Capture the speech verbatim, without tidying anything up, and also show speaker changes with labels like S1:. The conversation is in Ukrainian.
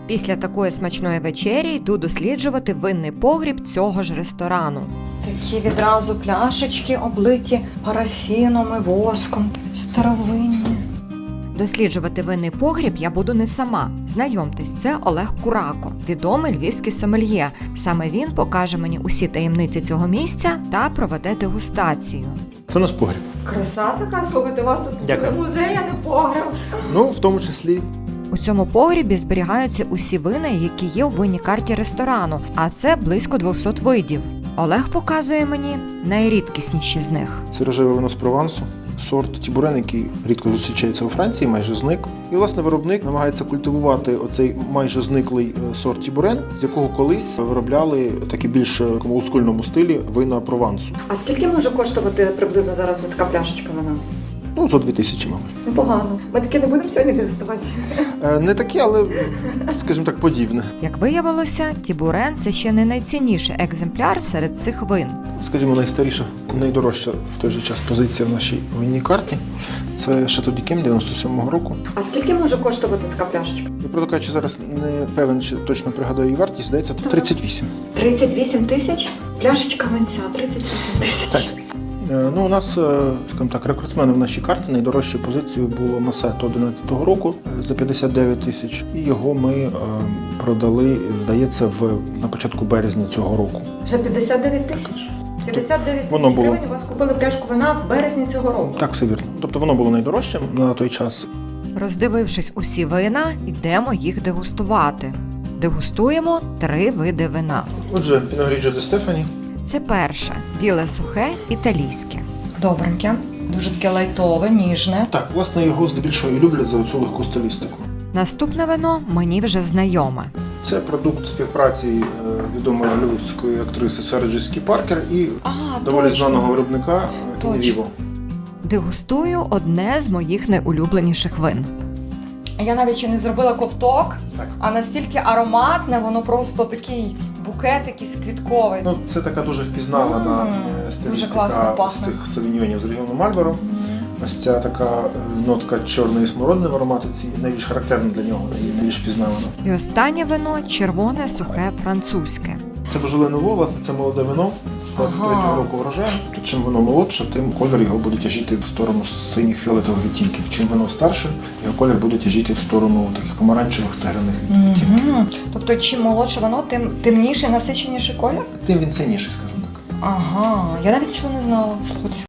S1: Після такої смачної вечері йду досліджувати винний погріб цього ж ресторану. Такі відразу пляшечки облиті парафіном і воском, старовинні. Досліджувати винний погріб я буду не сама. Знайомтесь, це Олег Курако, відомий львівський сомельє. Саме він покаже мені усі таємниці цього місця та проведе дегустацію.
S2: Це наш погріб.
S1: Краса така, слухайте, у вас тут цілий музей, а не погріб.
S2: Ну, в тому числі.
S1: У цьому погрібі зберігаються усі вина, які є у винній карті ресторану, а це близько двохсот видів. Олег показує мені найрідкісніші з них.
S2: Це рожеве вино з Провансу, сорт Тібурен, який рідко зустрічається у Франції, майже зник. І, власне, виробник намагається культивувати оцей майже зниклий сорт Тібурен, з якого колись виробляли такі більш в олдскульному стилі вина Провансу.
S1: А скільки може коштувати приблизно зараз така пляшечка вина?
S2: Ну, зо дві тисячі, мабуть.
S1: Непогано. Ми таке не будемо сьогодні дегустувати?
S2: Е, Не таке, але, скажімо так, подібне.
S1: Як виявилося, Тібурен – це ще не найцінніший екземпляр серед цих вин.
S2: Скажімо, найстаріша, найдорожча в той же час позиція в нашій винній карті – це Шато Дікем дев'яносто сьомого року.
S1: А скільки може коштувати така пляшечка?
S2: Я, правда кажучи, зараз не певен, чи точно пригадаю її вартість, здається, тридцять вісім.
S1: тридцять вісім тисяч? Пляшечка винця – тридцять вісім тисяч.
S2: Так. Ну, у нас, скажімо так, рекордсменом в нашій карті найдорожчою позицією було Масето одинадцятого року за п'ятдесят дев'ять тисяч. І його ми е, продали, здається, в, на початку березня цього року.
S1: За п'ятдесят дев'ять тисяч? п'ятдесят дев'ять
S2: Воно
S1: тисяч
S2: було.
S1: гривень у вас купили пляшку вина в березні цього року?
S2: Так, все вірно. Тобто воно було найдорожчим на той час.
S1: Роздивившись усі вина, йдемо їх дегустувати. Дегустуємо три види вина.
S2: Отже, Піно Гріджо де Стефані.
S1: Це перше – біле сухе, італійське. Добреньке, дуже таке лайтове, ніжне.
S2: Так, власне, його здебільшого і люблять за цю легку стилістику.
S1: Наступне вино мені вже знайоме.
S2: Це продукт співпраці е, відомої голлівудської актриси Сари Джесіки Паркер і
S1: А,
S2: доволі
S1: точно.
S2: знаного виробника
S1: Точно.
S2: Віво.
S1: Дегустую одне з моїх найулюбленіших вин. Я навіть ще не зробила ковток,
S2: Так.
S1: а настільки ароматне, воно просто такий букет якийсь квітковий.
S2: Ну, це така дуже впізнавана
S1: Мм,
S2: е,
S1: дуже
S2: стилістика
S1: класно пахне.
S2: цих савіньйонів з регіону Мальборо. Ось ця така е, нотка чорної смородини в ароматиці найбільш характерна для нього і найбільш впізнавана.
S1: І останнє вино – червоне, сухе, французьке.
S2: Це Божоле Нуво, власне, це молоде вино двадцять третього
S1: Ага.
S2: року врожаю. Тут чим воно молодше, тим колір його буде тяжіти в сторону синіх фіолетових відтінків. Чим воно старше, його колір буде тяжіти в сторону таких помаранчевих цегляних відтінків.
S1: Угу. Тобто, чим молодше воно, тим темніший, насиченіший колір?
S2: Тим він синіший, скажімо так.
S1: Ага, я навіть цього не знала. Слухайте,